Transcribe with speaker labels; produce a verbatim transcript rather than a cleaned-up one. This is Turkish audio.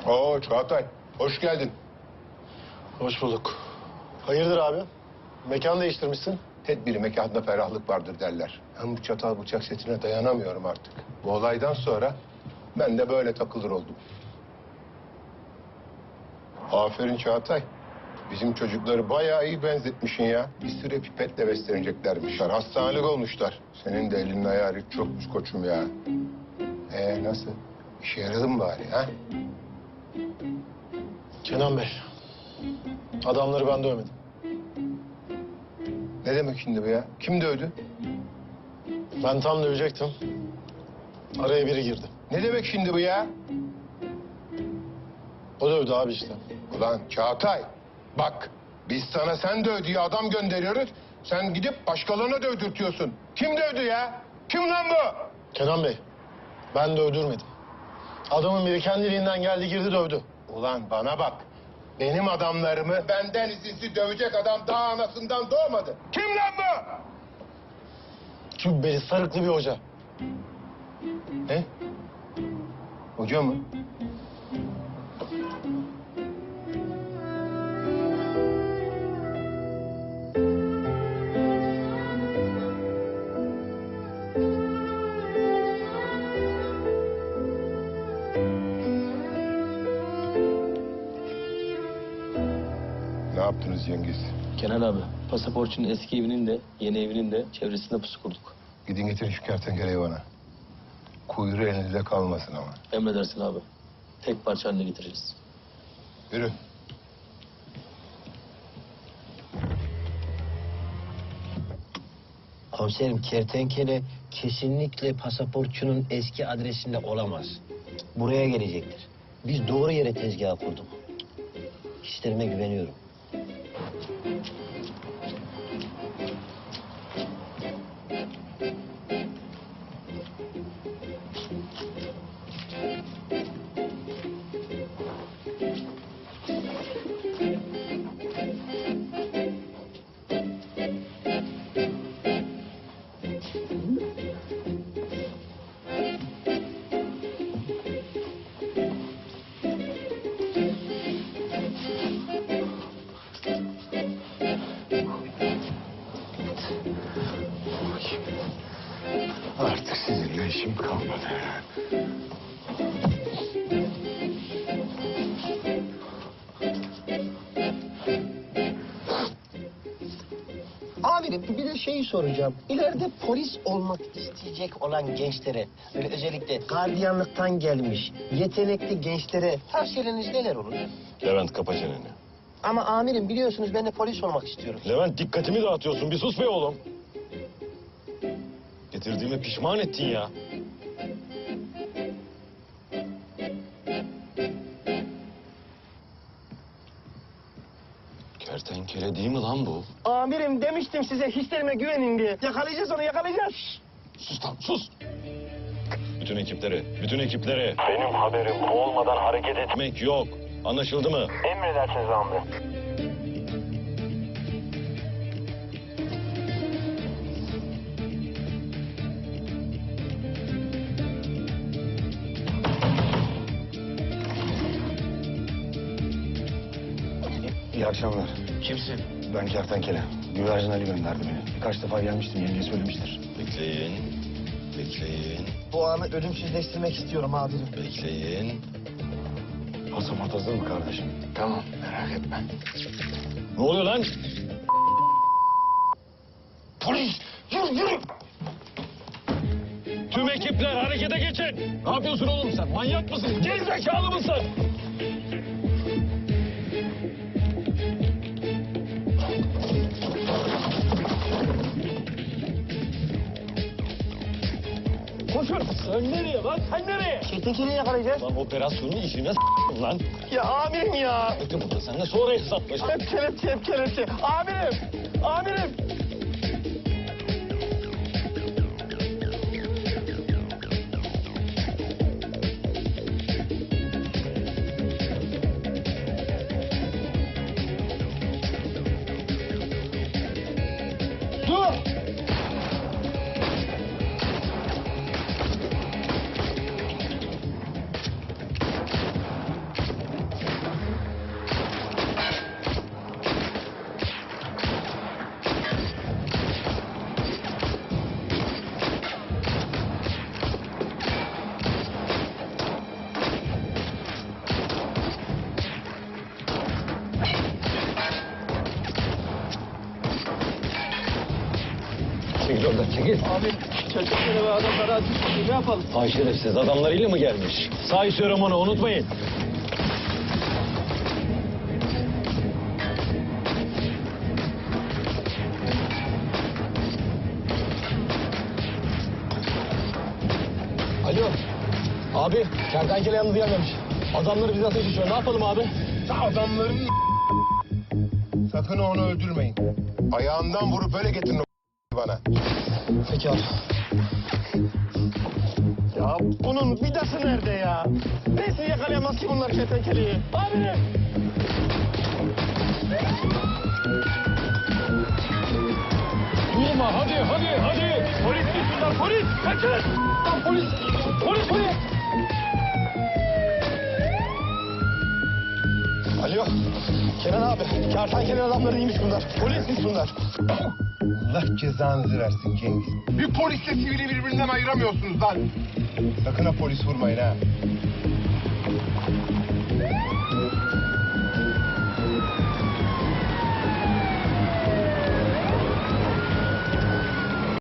Speaker 1: Oo Çağatay, hoş geldin.
Speaker 2: Hoş bulduk. Hayırdır abi? Mekan değiştirmişsin.
Speaker 1: Tedbiri mekanda ferahlık vardır derler. Ben bu çatal bıçak setine dayanamıyorum artık. Bu olaydan sonra ben de böyle takılır oldum. Aferin Çağatay. Bizim çocukları bayağı iyi benzetmişsin ya. Bir süre pipetle besleneceklermişler. Hastanelik olmuşlar. Senin de elinin ayağı çokmuş koçum ya. Ee nasıl? İşe yaradı mı bari ha?
Speaker 2: Kenan Bey, adamları ben dövmedim.
Speaker 1: Ne demek şimdi bu ya? Kim dövdü?
Speaker 2: Ben tam dövecektim. Araya biri girdi.
Speaker 1: Ne demek şimdi bu ya?
Speaker 2: O dövdü abi işte.
Speaker 1: Ulan Çağatay, bak biz sana sen döv diye adam gönderiyoruz. Sen gidip başkalarına dövdürtüyorsun. Kim dövdü ya? Kim lan bu?
Speaker 2: Kenan Bey, ben dövdürmedim. Adamın biri kendiliğinden geldi girdi dövdü.
Speaker 1: Ulan bana bak. Benim adamlarımı benden izinsiz dövecek adam daha anasından doğmadı. Kim lan bu?
Speaker 2: Cübbeli sarıklı bir hoca.
Speaker 1: Ne? Hoca mı? Ne yaptınız Cengiz?
Speaker 3: Kenan abi, pasaportçunun eski evinin de yeni evinin de çevresinde pusu kurduk.
Speaker 1: Gidin getirin şu kertenkeleyi bana. Kuyruğu elinizde kalmasın ama.
Speaker 3: Emredersin abi. Tek parça haline getireceğiz.
Speaker 1: Yürü.
Speaker 4: Komiserim kertenkele kesinlikle pasaportçunun eski adresinde olamaz. Buraya gelecektir. Biz doğru yere tezgah kurduk. Hislerime güveniyorum.
Speaker 1: Artık sizinle işim kalmadı.
Speaker 4: Amirim bir de şeyi soracağım. İleride polis olmak isteyecek olan gençlere, böyle özellikle gardiyanlıktan gelmiş, yetenekli gençlere tavsiyeleriniz neler olur?
Speaker 5: Levent kapa çeneni.
Speaker 4: Ama amirim biliyorsunuz ben de polis olmak istiyorum.
Speaker 5: Levent dikkatimi dağıtıyorsun. Bir sus be oğlum. Getirdiğime pişman ettin ya. Kertenkele değil mi lan bu?
Speaker 4: Amirim demiştim size hislerime güvenin diye. Yakalayacağız onu yakalayacağız.
Speaker 5: Sus lan sus. Bütün ekiplere, bütün ekiplere. Benim haberim olmadan hareket etmek yok. Anlaşıldı mı?
Speaker 4: Emredersiniz amirim.
Speaker 6: İyi akşamlar.
Speaker 4: Kimsin?
Speaker 6: Ben Kertenkele. Güvercin Ali gönderdi beni. Birkaç defa gelmiştim, yenge söylemiştir.
Speaker 5: Bekleyin. Bekleyin.
Speaker 4: Bu anı ölümsüzleştirmek istiyorum amirim.
Speaker 5: Bekleyin.
Speaker 6: Pasaport hazır mı kardeşim?
Speaker 4: Tamam merak etme.
Speaker 5: Ne oluyor lan?
Speaker 6: Polis! Yürü yürü!
Speaker 5: Tüm ekipler harekete geçin. Ne yapıyorsun oğlum sen? Manyak mısın? Gerizekalı mısın? Koşun. Sen nereye lan? Sen nereye?
Speaker 4: Kertenkeleyi yakalayacağız.
Speaker 5: Lan operasyonun işine s***ın lan.
Speaker 4: Ya amirim ya.
Speaker 5: Bekle burada. Seninle sonra hesaplaşalım.
Speaker 4: Hep kelepçe hep kelepçe. Amirim. Amirim.
Speaker 5: Dur! Çekil oradan çekil.
Speaker 3: Abi çocukları ve adamları ateş ediyor. Ne yapalım?
Speaker 5: Hay şerefsiz adamlarıyla mı gelmiş? Say onu unutmayın.
Speaker 2: Alo. Abi kertenkele yalnız gelmemiş. Adamları bize ateş ediyor. Ne yapalım abi?
Speaker 1: Adamların sakın onu öldürmeyin. Ayağından vurup öyle getirin o bana.
Speaker 2: Peki abi. Ya bunun vidası nerede ya? Neyse yakalayamaz ki bunlar kertenkeleyi. Abi!
Speaker 5: Durma hadi hadi hadi.
Speaker 2: Polis şunlar polis! Kaçın! Lan polis! Polis polis! Alo. Kenan abi. Kertenkele adamları iyiymiş bunlar. Polismiş bunlar.
Speaker 1: Allah cezanızı versin Cengiz. Bir polisle sivili birbirinden ayıramıyorsunuz lan. Sakın ha polis vurmayın ha.